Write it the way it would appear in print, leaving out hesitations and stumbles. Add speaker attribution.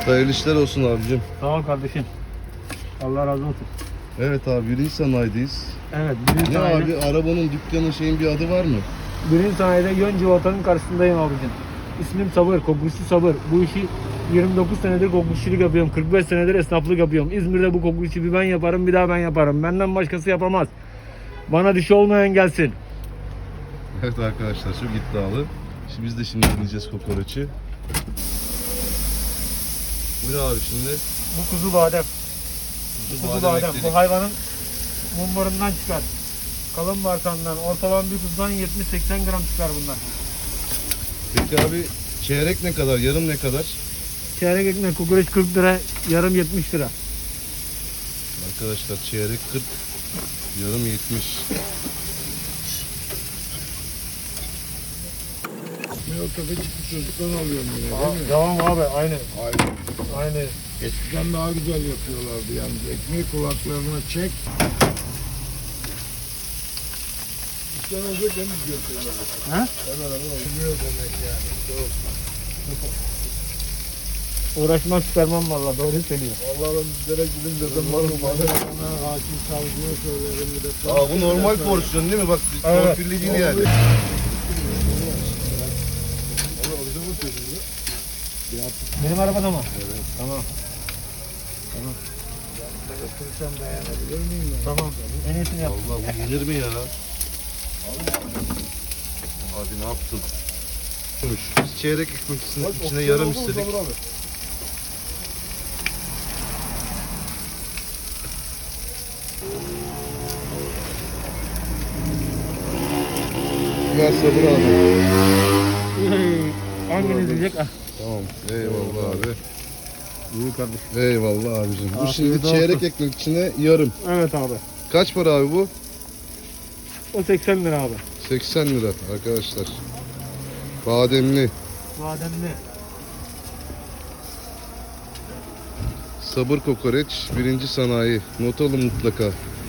Speaker 1: Hayırlı işler olsun abicim.
Speaker 2: Sağ ol kardeşim. Allah razı olsun.
Speaker 1: Evet abi, birinci sanayideyiz.
Speaker 2: Evet, birinci
Speaker 1: Ne
Speaker 2: sanayide,
Speaker 1: abi, arabanın, dükkanın, şeyin bir adı var mı?
Speaker 2: birinci sanayide yön civatanın karşısındayım abicim. İsmim Sabır, kokusu Sabır. Bu işi 29 senedir kokuşçuluk yapıyorum. 45 senedir esnaflık yapıyorum. İzmir'de bu kokuşçu bir ben yaparım, bir daha ben yaparım. Benden başkası yapamaz. Bana dişi olmayan gelsin.
Speaker 1: Evet arkadaşlar, çok iddialı. Biz de şimdi dinleyeceğiz kokoreçi. Bu ne abi şimdi?
Speaker 2: Bu kuzu badem. Kuzu badem.
Speaker 1: ekledik.
Speaker 2: Bu hayvanın mumbarından çıkar. Kalın bağırsağından, ortalama bir kuzudan 70-80 gram çıkar bunlar.
Speaker 1: Peki abi, çeyrek ne kadar, yarım ne kadar?
Speaker 2: Çeyrek ekmek kokoreç 40 lira, yarım 70 lira.
Speaker 1: Arkadaşlar çeyrek 40, yarım 70.
Speaker 3: Ben o tefecik çocuktan alıyorum yine değil mi?
Speaker 2: Tamam abi, aynı.
Speaker 3: Aynı. Eskiden daha güzel yapıyorlardı yalnız. Ekmeği kulaklarına çek. İstemezse temiz götürüyorlar.
Speaker 2: Ha?
Speaker 3: Hemen olmuyor demek yani. Doğru.
Speaker 2: Uğraşmaz çıkarmam valla, doğru söylüyor.
Speaker 3: Vallahi ben direkt gidin dedim var mı bana? Hakim savcıya söylerim bir de.
Speaker 1: Aa, bu normal porsiyon değil mi? Bak,
Speaker 2: Evet.
Speaker 1: torpilli değil yani.
Speaker 2: Benim arabada mı?
Speaker 3: Evet.
Speaker 2: Tamam.
Speaker 3: Götürsem dayanabilir miyim ben?
Speaker 2: Tamam. En iyisini yap.
Speaker 1: Allah, bu yenir mi ya? Abi ne yaptın? Biz çeyrek ekmek içine yarım istedik. Ver Sabır abi.
Speaker 2: Hanginiz diyecek? Ah.
Speaker 1: Tamam. Eyvallah abi.
Speaker 2: İyi kardeşim.
Speaker 1: Eyvallah abicim. Bu
Speaker 2: Afiyet
Speaker 1: şimdi
Speaker 2: olsun.
Speaker 1: çeyrek ekmek içine yarım.
Speaker 2: Evet abi.
Speaker 1: Kaç para abi bu?
Speaker 2: O 80 lira abi.
Speaker 1: 80 lira arkadaşlar. Bademli.
Speaker 2: Bademli.
Speaker 1: Sabır kokoreç. Birinci sanayi. Not alın mutlaka.